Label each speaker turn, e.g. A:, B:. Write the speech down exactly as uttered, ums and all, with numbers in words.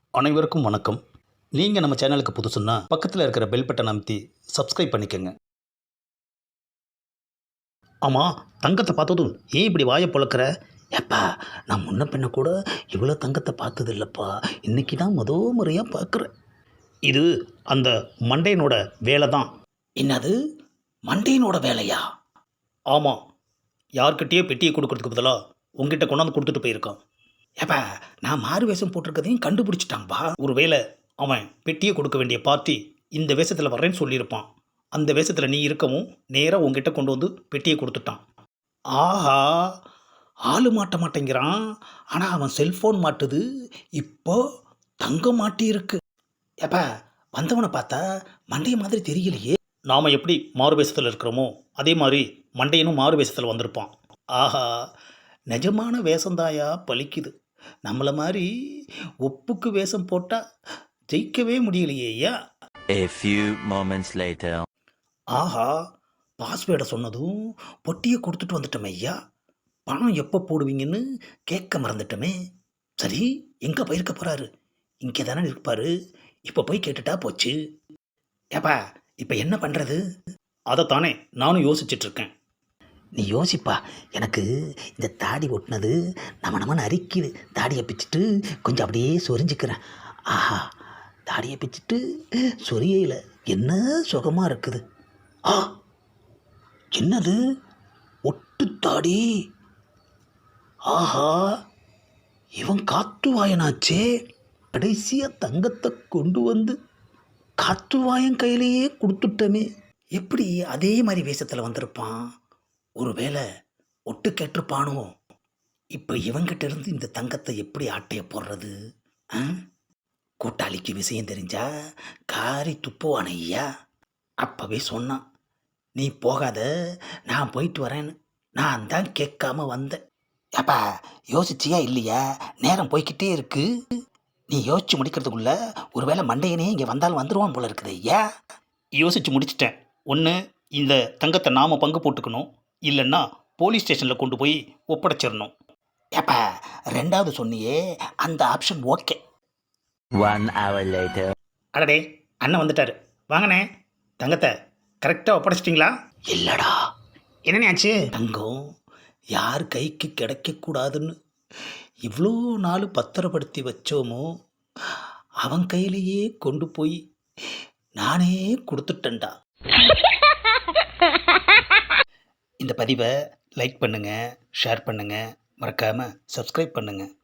A: அனைவருக்கும் வணக்கம். நீங்கள் நம்ம சேனலுக்கு புதுசுன்னா பக்கத்தில் இருக்கிற பெல் பட்டன் அமைத்தி சப்ஸ்கிரைப் பண்ணிக்கோங்க. ஆமாம், தங்கத்தை பார்த்ததும் ஏன் இப்படி வாயை பொழக்கிற? ஏப்பா, நான் முன்ன பின்ன கூட இவ்வளோ தங்கத்தை பார்த்தது இல்லைப்பா. இன்னைக்கு தான் முத முறையாக பார்க்குறேன். இது அந்த மண்டையனோட வேலை தான். என்னது, மண்டையனோட வேலையா? ஆமாம், யார்கிட்டயே பெட்டியை கொடுக்கறதுக்கு பதிலாக உங்ககிட்ட கொண்டாந்து கொடுத்துட்டு போயிருக்கான். ஏப்பா, நான் மாறு வேஷம் போட்டிருக்கதையும் கண்டுபிடிச்சிட்டான்பா. ஒரு வேளை அவன் பெட்டியை கொடுக்க வேண்டிய பார்ட்டி இந்த வேஷத்தில் வர்றேன்னு சொல்லியிருப்பான். அந்த வேஷத்தில் நீ இருக்கவும் நேராக உங்ககிட்ட கொண்டு வந்து பெட்டியை கொடுத்துட்டான். ஆஹா, ஆளு மாட்ட மாட்டேங்கிறான். ஆனால் அவன் செல்ஃபோன் மாட்டுது. இப்போ தங்கம் மாட்டி இருக்கு. ஏப்பா, வந்தவனை பார்த்தா மண்டைய மாதிரி தெரியலையே. நாம் எப்படி மாறு வேஷத்தில் இருக்கிறோமோ அதே மாதிரி மண்டையனும் மாறு வேஷத்தில் வந்திருப்பான். ஆஹா, நிஜமான வேஷந்தாயா பலிக்குது. நம்மளை மாதிரி ஒப்புக்கு வேஷம் போட்டால் ஜெயிக்கவே முடியலையேயா.
B: A few moments later.
A: ஆஹா, பாஸ்வேர்டை சொன்னதும் பொட்டியை கொடுத்துட்டு வந்துட்டோமே ஐயா. பணம் எப்போ போடுவீங்கன்னு கேட்க மறந்துட்டோமே. சரி, எங்கே போயிருக்க போகிறாரு? இங்கே தானே இருப்பார். இப்போ போய் கேட்டுட்டா போச்சு. ஏப்பா, இப்போ என்ன பண்ணுறது? அதைத்தானே நானும் யோசிச்சிட்ருக்கேன். நீ யோசிப்பா. எனக்கு இந்த தாடி ஒட்டினது நம்ம நம்மன்னு அரிக்குது. தாடியை பிச்சுட்டு கொஞ்சம் அப்படியே சொரிஞ்சிக்கிறேன். ஆஹா, தாடியை பிச்சுட்டு சொரியையில் என்ன சுகமாக இருக்குது. ஆ, என்னது, ஒட்டு தாடி. ஆஹா, இவன் காத்துவாயனாச்சே. கடைசியாக தங்கத்தை கொண்டு வந்து காத்துவாயன் கையிலேயே கொடுத்துட்டமே. எப்படி அதே மாதிரி வேஷத்தில் வந்திருப்பான்? ஒருவேளை ஒட்டு கேட்டிருப்பானோ? இப்போ இவங்கிட்ட இருந்து இந்த தங்கத்தை எப்படி ஆட்டைய போடுறது? ஆ, கூட்டாளிக்கு விஷயம் தெரிஞ்சா காரி துப்புவான ஐயா. அப்போவே சொன்னான், நீ போகாத, நான் போயிட்டு வரேன்னு. நான் தான் கேட்காம வந்தேன். ஏப்பா, யோசிச்சியா இல்லையா? நேரம் போய்கிட்டே இருக்கு. நீ யோசிச்சு முடிக்கிறதுக்குள்ள ஒருவேளை மண்டையனே இங்கே வந்தாலும் வந்துடுவான் போல இருக்குது ஐயா. யோசிச்சு முடிச்சிட்டேன். ஒன்று, இந்த தங்கத்தை நாம் பங்கு போட்டுக்கணும், இல்லைன்னா போலீஸ் ஸ்டேஷனில் கொண்டு போய் ஒப்படைச்சிடணும். ஏப்பா, ரெண்டாவது சொன்னியே, அந்த option okay.
B: One hour later.
A: அடடே, அண்ணன் வந்துட்டார். வாங்கண்ணே, தங்கத்தை கரெக்டாக ஒப்படைச்சிட்டிங்களா? இல்லைடா. என்னண்ணே ஆச்சு? தங்கம் யார் கைக்கு கிடைக்கக்கூடாதுன்னு இவ்வளோ நாள் பத்திரப்படுத்தி வச்சோமோ அவன் கையிலேயே கொண்டு போய் நானே கொடுத்துட்டேன்டா. இந்த பதிவை லைக் பண்ணுங்கள், ஷேர் பண்ணுங்கள், மறக்காமல் சப்ஸ்கிரைப் பண்ணுங்கள்.